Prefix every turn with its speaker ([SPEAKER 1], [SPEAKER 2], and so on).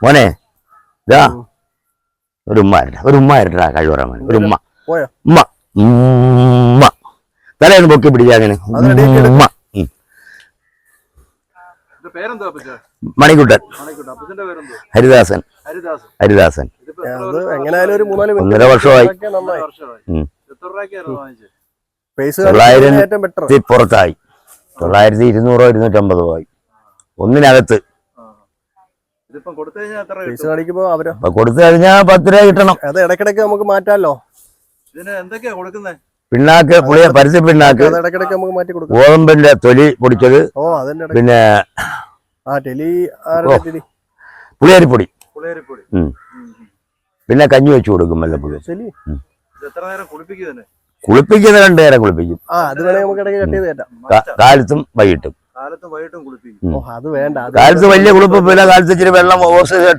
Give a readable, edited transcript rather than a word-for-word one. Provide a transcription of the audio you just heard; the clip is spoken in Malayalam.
[SPEAKER 1] മോനെ ഇതാ ഒരു ഉമ്മ ഇരട്ടാ കഴിവറ മോനെ ഒരു ഉമ്മ ഉമ്മ ഉമ്മ തലേന്ന് പൊക്കി പിടിച്ചാ അങ്ങനെ ഉമ്മ മണിക്കുട്ടൻ ഹരിദാസൻ 1.5 വർഷമായി. 900 പുറത്തായി. 900 250 ആയി ഒന്നിനകത്ത്. കൊടുത്തു കഴിഞ്ഞാൽ 10 രൂപ കിട്ടണം.
[SPEAKER 2] അത് ഇടയ്ക്കിടയ്ക്ക് നമുക്ക് മാറ്റാലോ.
[SPEAKER 1] പിണ്ണാക്ക് പരുത്തി പിണ്ണാക്ക്, ഗോതമ്പിന്റെ തൊലി പൊടിച്ചത്, പിന്നെ പുളിയരിപ്പൊടി, പിന്നെ കഞ്ഞി വെച്ച് കൊടുക്കും വല്ലപ്പോഴും. കുളിപ്പിക്കുന്ന 2 നേരം കുളിപ്പിക്കും, കാലത്തും വൈകിട്ടും. കാലത്ത് വലിയ കുളിപ്പില്ല, കാലത്ത് ഇച്ചിരി വെള്ളം ഓസ്